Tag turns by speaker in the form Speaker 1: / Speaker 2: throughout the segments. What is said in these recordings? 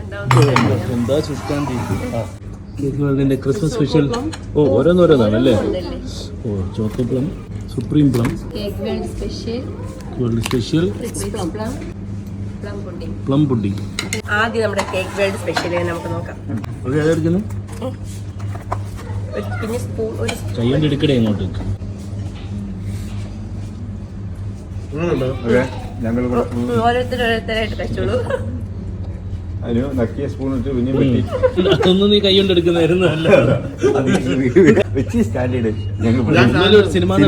Speaker 1: എന്താ സുഷ്കാന്തി cake Christmas special. ഓ ഓരോന്നോരോന്നാണല്ലേ. ഓ choco plum, supreme plum, world special, plum pudding.
Speaker 2: ആദ്യം നമ്മുടെ കേക്ക് വേൾഡ് സ്പെഷ്യൽ നമുക്ക് നോക്കാം.
Speaker 1: അതെടുക്കുന്നു
Speaker 2: പിന്നെ സ്പൂൺ ഒരു
Speaker 1: കൈകൊണ്ട് എടുക്കടേ ഇങ്ങോട്ട്.
Speaker 2: ഓരോരുത്തരായിട്ട് കഴിച്ചോളൂ.
Speaker 1: അതൊന്നും നീ കൈകൊണ്ട് എടുക്കുന്നതായിരുന്നു. Cinema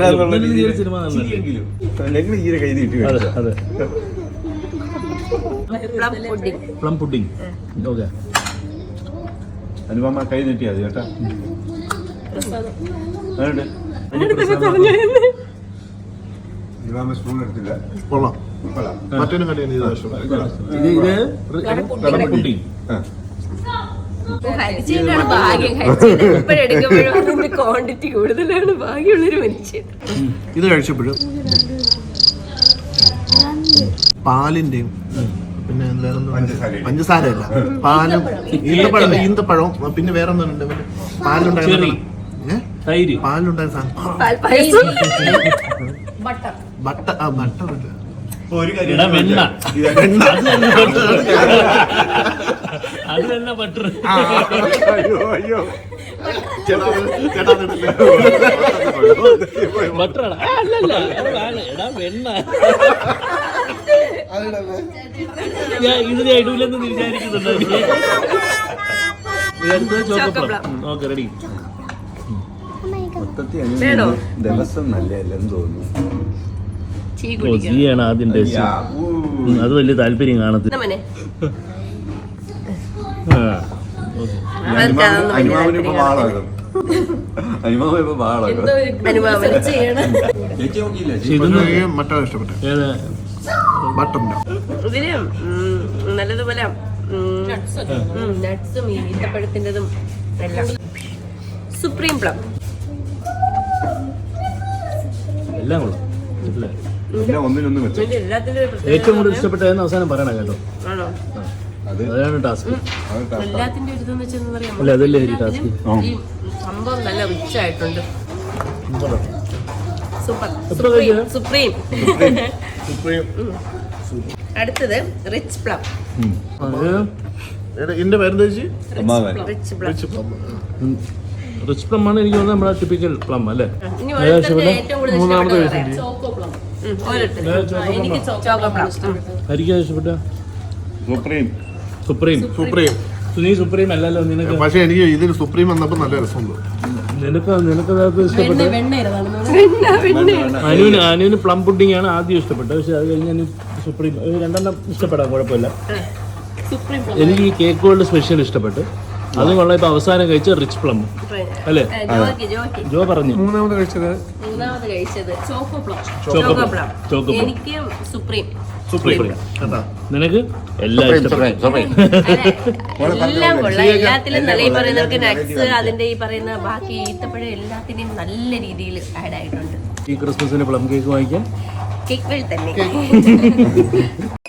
Speaker 1: plum pudding. Okay
Speaker 3: Anupama കൈ നീട്ടിയാ മതി കേട്ടാ. സ്പൂൺ എടുത്തില്ല.
Speaker 4: കൊള്ളാം. മറ്റൊരു കടയാണ്
Speaker 2: ക്വാണ്ടിറ്റി കൂടുതലാണ്. ഭാഗ്യമുള്ളൊരു മനുഷ്യൻ.
Speaker 4: ഇത് കഴിച്ചപ്പോഴും പാലിന്റെയും പിന്നെ പഞ്ചസാരയല്ല, പാലും ഈന്തപ്പഴവും പിന്നെ വേറെ ഒന്നുണ്ട് പാലുണ്ടായിരുന്നു. പാലുണ്ടായ സാധനം ബട്ടർ
Speaker 1: അത് തന്നെ ബട്ടർ. ബട്ടറാണ് അല്ലല്ല എടാ വെണ്ണ. ഇത് ഞാൻ ഇടൂലെന്ന് വിചാരിക്കുന്നുണ്ടോ? Okay ready.
Speaker 3: ദിവസം നല്ലതല്ലെന്ന് തോന്നുന്നു.
Speaker 1: ആണ് ആദ്യം ടേസ്റ്റ്. അത് വലിയ താല്പര്യം കാണത്തില്ല.
Speaker 3: അനുമാവിനിപ്പോ വാളാകും. അനുമാവിപ്പോ വാളാകും.
Speaker 4: മറ്റോ ഇഷ്ടപ്പെട്ടു.
Speaker 2: ഇതിന് നല്ലതുപോലെ നട്ട്സും ഈത്തപ്പഴത്തിൻ്റെതും എല്ലാം. സുപ്രീം പ്ലം
Speaker 1: എല്ലാം കൊള്ളാം.
Speaker 3: ഏറ്റവും
Speaker 1: കൂടുതൽ ഇഷ്ടപ്പെട്ടതെന്ന് അവസാനം പറയണം കേട്ടോ.
Speaker 2: ആണോ?
Speaker 1: അതാണ് ടാസ്ക്.
Speaker 2: എല്ലാത്തിന്റെ ഒരു ഇതെന്ന് വെച്ചാൽ പറയാം,
Speaker 1: അല്ല അതല്ലേ ഒരു ടാസ്ക്.
Speaker 2: ഈ സംഭവം നല്ല റിച്ച് ആയിട്ടുണ്ട്. സൂപ്പർ. സുപ്രീം. അടുത്തത് റിച്ച് പ്ലം.
Speaker 4: ഇതിന്റെ പേരെന്താ ചേച്ചി?
Speaker 2: Rich plum.
Speaker 1: റിച്ച് പ്ലം ആണ് എനിക്ക് തോന്നുന്നത് നമ്മുടെ ടിപ്പിക്കൽ പ്ലം അല്ലേ.
Speaker 4: മൂന്നാമത്
Speaker 2: എനിക്ക് ചോക്കോ പ്ലം.
Speaker 1: ആയിരിക്കും ഇഷ്ടപ്പെട്ട
Speaker 3: സുപ്രീം.
Speaker 1: സുപ്രീം.
Speaker 4: സുപ്രീം.
Speaker 1: നീ സുപ്രീം അല്ലല്ലോ നിനക്ക്.
Speaker 4: പക്ഷെ എനിക്ക് ഇതിൽ സുപ്രീം വന്നപ്പോ നല്ല രസമുണ്ട്.
Speaker 1: നിനക്കത് ഇഷ്ടപ്പെട്ടു. അനുവിന് പ്ലം പുഡിംഗ് ആണ് ആദ്യം ഇഷ്ടപ്പെട്ടത്. പക്ഷെ അത് കഴിഞ്ഞ് സുപ്രീം രണ്ടെണ്ണം ഇഷ്ടപ്പെടാം, കുഴപ്പമില്ല. എനിക്ക് ഈ കേക്ക് വേൾഡ് സ്പെഷ്യൽ ഇഷ്ടപ്പെട്ടു. അതും കൊള്ളാം. ഇപ്പൊ അവസാനം കഴിച്ച റിച്ച് പ്ലം അല്ലേ? ജോ പറഞ്ഞു.
Speaker 4: മൂന്നാമത് കഴിച്ചത്
Speaker 2: ചോക്കോ പ്ലം. എനിക്ക് സുപ്രീം.
Speaker 1: നിനക്ക് എല്ലാം ഇഷ്ടപ്പെട്ടു.
Speaker 2: എല്ലാം കൊള്ളാം. എല്ലാത്തിലും നല്ല ഈ പറയുന്നവർക്ക് നട്ട്സ്, അതിന്റെ ഈ പറയുന്ന ബാക്കി ഈത്തപ്പഴം എല്ലാത്തിനും നല്ല രീതിയിൽ ആഡ് ആയിട്ടുണ്ട്.
Speaker 1: ഈ ക്രിസ്മസിന് പ്ലം കേക്ക് വാങ്ങിക്കാൻ
Speaker 2: കേക്ക് വേൾഡ് തന്നെ.